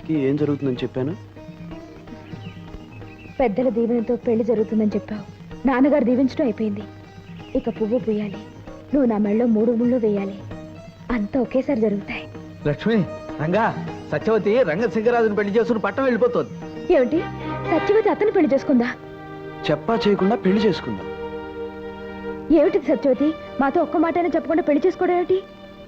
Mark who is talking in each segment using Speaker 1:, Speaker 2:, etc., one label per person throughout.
Speaker 1: సత్యవతికి ఏం జరుగుతుందని చెప్పాను?
Speaker 2: పెద్దల దీవెనతో పెళ్లి జరుగుతుందని చెప్పావు. నాన్నగారు దీవించడం అయిపోయింది. ఇక పువ్వు పూయాలి, నువ్వు నా మెళ్ళలో 3 ముళ్ళు వేయాలి. అంతా ఒకేసారి జరుగుతాయి.
Speaker 3: లక్ష్మి, రంగా, సత్యవతి రంగశంకరాజుని పెళ్లి చేసుకుని పట్టం వెళ్ళిపోతుంది.
Speaker 2: ఏమిటి, సత్యవతి అతను పెళ్లి చేసుకుందా?
Speaker 1: చెప్పా చేయకుండా పెళ్లి చేసుకుందా?
Speaker 2: ఏమిటి సత్యవతి, మాతో ఒక్క మాటైనా చెప్పకుండా పెళ్లి చేసుకోవడం ఏమిటి?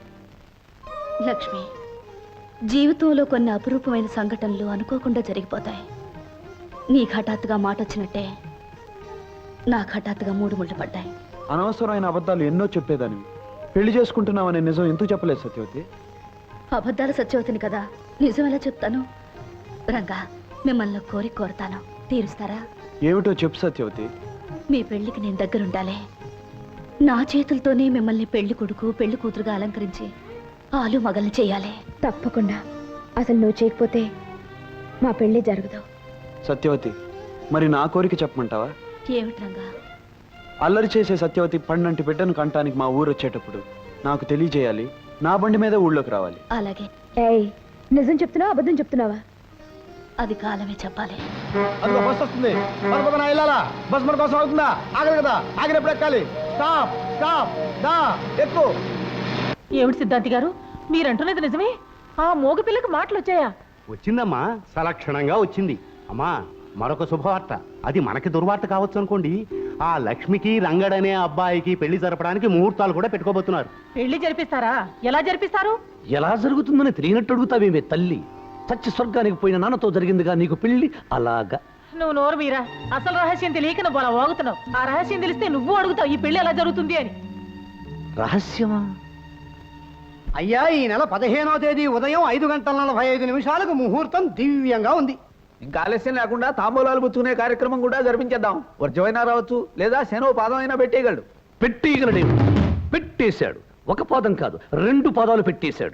Speaker 4: లక్ష్మి, జీవితంలో కొన్ని అపురూపమైన సంఘటనలు అనుకోకుండా జరిగిపోతాయి. నీకు హఠాత్తుగా మాట వచ్చినట్టే నాకు హఠాత్తుగా 3 ముళ్ళు పడ్డాయి.
Speaker 1: అనవసరమైన అబద్ధాలు ఎన్నో చెప్పేదానివి. పెళ్లి చేసుకుంటున్నావనే నిజం ఎందుకు చెప్పలేదు సత్యవతి?
Speaker 4: అబద్ధాలు సత్యవతిని కదా, నిజం ఎలా చెప్తాను? రంగా, మిమ్మల్ని కోరుతాను, తీరుస్తారా?
Speaker 1: ఏమిటో చెప్పు సత్యవతి.
Speaker 4: మీ పెళ్లికి నేను దగ్గరుండాలి. నా చేతులతోనే మిమ్మల్ని పెళ్లి కొడుకు పెళ్లి కూతురుగా అలంకరించి ఆలు మగల్ని చేయాలి.
Speaker 2: తప్పకుండా. అసలు నువ్వు చేయకపోతే మా పెళ్లి జరగదు.
Speaker 1: సత్యవతి, మరి నా కోరిక చెప్పమంటావా?
Speaker 4: ఏమిటి రంగా?
Speaker 1: అల్లరి చేసే సత్యవతి పండంటి బిడ్డను కంటానికి మా ఊరు వచ్చేటప్పుడు నాకు తెలియజేయాలి. నా బండి మీద ఊళ్ళోకి రావాలి.
Speaker 4: అలాగే.
Speaker 2: ఏయ్, నిజం చెప్తున్నావా అబద్ధం చెప్తున్నావా?
Speaker 4: అది కాలమే చెప్పాలి.
Speaker 3: బస్ వస్తుంది, బస్ మన కోసం అవుతుందా? ఆగదు కదా, ఆగినప్పుడు ఎక్కాలి. స్టాప్ స్టాప్, దా ఎక్కు.
Speaker 5: ఏమిటి సిద్ధాంతి గారు, మీరంటున్నది నిజమే? ఆ మోగ పిల్లకి మాటలు వచ్చాయా?
Speaker 6: వచ్చిందమ్మా, సలక్షణంగా వచ్చింది. అమ్మా, మరొక శుభవార్త. అది మనకి దుర్వార్త కావచ్చు అనుకోండి. ఆ లక్ష్మికి రంగడనే అబ్బాయికి పెళ్లి జరపడానికి ముహూర్తాలు కూడా పెట్టుకోబోతున్నారు.
Speaker 5: పెళ్లి జరిపిస్తారా? ఎలా జరిపిస్తారు?
Speaker 7: ఎలా జరుగుతుందని తెలియనట్టు అడుగుతావేమే తల్లి. చచ్చి స్వర్గానికి పోయిన నాన్నతో జరిగిందిగా నీకు పెళ్లి. అలాగా
Speaker 5: నువ్వు నోరు మీరా, అసలు రహస్యం తెలియక నువ్వు అలా వాగుతున్నావు. ఆ రహస్యం తెలిస్తే నువ్వు అడుగుతావు ఈ పెళ్లి ఎలా జరుగుతుంది అని.
Speaker 7: రహస్యమా?
Speaker 6: అయ్యా, ఈ నెల 15వ తేదీ ఉదయం 5:45 ముహూర్తం దివ్యంగా ఉంది.
Speaker 3: ఇంకా ఆలస్యం లేకుండా తాంబూలాలు పుచ్చుకునే కార్యక్రమం కూడా జరిపించేద్దాం. వర్జమైనా రావచ్చు, లేదా శనో పాదం అయినా పెట్టేయగలడు.
Speaker 7: పెట్టేయగలడేమి? పెట్టేశాడు. ఒక పాదం కాదు, 2 పాదాలు పెట్టేశాడు.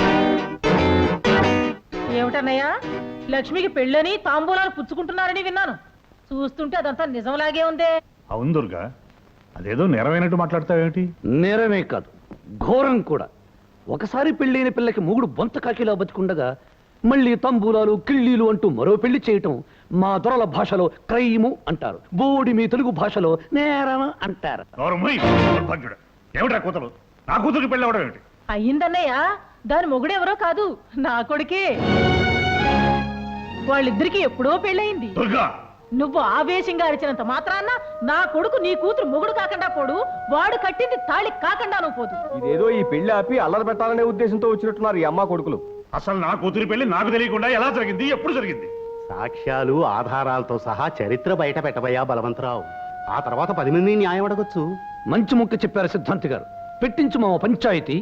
Speaker 5: ఏమిటన్నయ్యా, లక్ష్మికి పెళ్ళని తాంబూలాలు పుచ్చుకుంటున్నారని విన్నాను. చూస్తుంటే అదంతా నిజంలాగే ఉందే.
Speaker 8: అవును దుర్గా, అదేదో నెరవేనట్టు మాట్లాడతావేమిటి?
Speaker 7: నేరమే కాదు, ఘోరం కూడా. ఒకసారి పెళ్ళైన పిల్లకి మొగుడు బొంత కాకిలా బతికుండగా మళ్ళీ తంబూలాలు కిళ్ళీలు అంటూ మరో పెళ్లి చేయటం మా దొరల భాషలో క్రైము అంటారు. బోడి మీ తెలుగు భాషలో నేరం అంటారు.
Speaker 8: ఏమిటా కూతురు? నా కూతురికి పెళ్ళి అవడం ఏమిటి?
Speaker 5: అయ్యిందన్నయ్యా, దాని మొగుడెవరో కాదు, నా కొడుకే. వాళ్ళిద్దరికి ఎప్పుడో పెళ్ళయింది.
Speaker 8: దుర్గా,
Speaker 5: నువ్వు ఆవేశంగా అరిచినంత మాత్రాన్న నా కొడుకు నీ కూతురు మొగుడు కాకుండా పోడు, వాడు కట్టింది తాళి కాకుండా పోదు.
Speaker 3: ఇదేదో ఈ పెళ్లి ఆపి అల్లరి పెట్టాలనే ఉద్దేశంతో వచ్చినట్టున్నారు ఈ అమ్మ కొడుకులు.
Speaker 8: అసలు నా కూతురి పెళ్లి నాకు తెలియకుండా ఎలా జరిగింది, ఎప్పుడు జరిగింది?
Speaker 6: సాక్ష్యాలు ఆధారాలతో సహా చరిత్ర బయట పెట్టబోయా బలవంతరావు. ఆ తర్వాత 10 మంది న్యాయం అడగొచ్చు.
Speaker 7: మంచి ముక్క చెప్పారు సిద్ధాంతి గారు. పెట్టించు మా పంచాయతీ.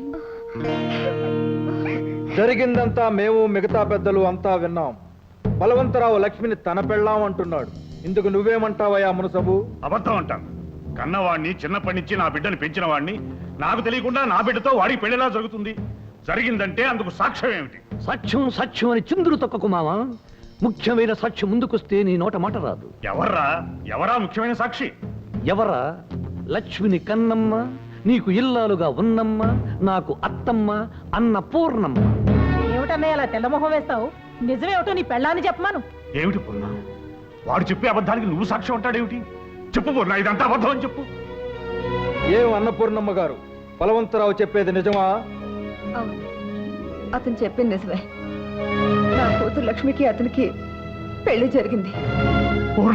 Speaker 3: జరిగిందంతా మేము మిగతా పెద్దలు అంతా విన్నాం. బలవంతరావు లక్ష్మిని తన పెళ్ళాం అంటున్నాడు. ఇందుకు నువ్వేమంటావయ్యా మునసబు?
Speaker 8: అబద్ధం అంటాను. కన్నవాడిని, చిన్నప్పటి నుంచి నా బిడ్డను పెంచిన వాడిని, నాకు తెలియకుండా నా బిడ్డతో వాడికి పెళ్లిలా జరుగుతుంది. జరిగిందంటే అందుకు సాక్ష్యం ఏమిటి?
Speaker 7: సాక్ష్యం సాక్ష్యం అని చిందులు తొక్కకు మావా. ముఖ్యమైన సాక్షి ముందుకొస్తే నీ నోట మాట రాదు.
Speaker 8: ఎవరా ముఖ్యమైన సాక్షి?
Speaker 7: ఎవరా? లక్ష్మిని కన్నమ్మ, నీకు ఇల్లాలుగా ఉన్నమ్మ, నాకు అత్తమ్మ, అన్న పూర్ణమ్మ.
Speaker 5: ఏమిటన్నయ్య అలా తెల్లమొహం వేస్తావు? నిజమేమిటో నీ పెళ్ళాన్ని చెప్పమాను.
Speaker 8: ఏమిటి పూర్ణ? వాడు చెప్పే అబద్ధానికి నువ్వు సాక్ష్యం అంటాడేమిటి? చెప్పు పూర్ణ, ఇదంతా అబద్ధం అని చెప్పు.
Speaker 3: ఏం అన్నపూర్ణమ్మ గారు, బలవంతరావు చెప్పేది నిజమా?
Speaker 2: అవును, అతను చెప్పింది నిజమే. నా కూతురు లక్ష్మికి అతనికి పెళ్లి జరిగింది.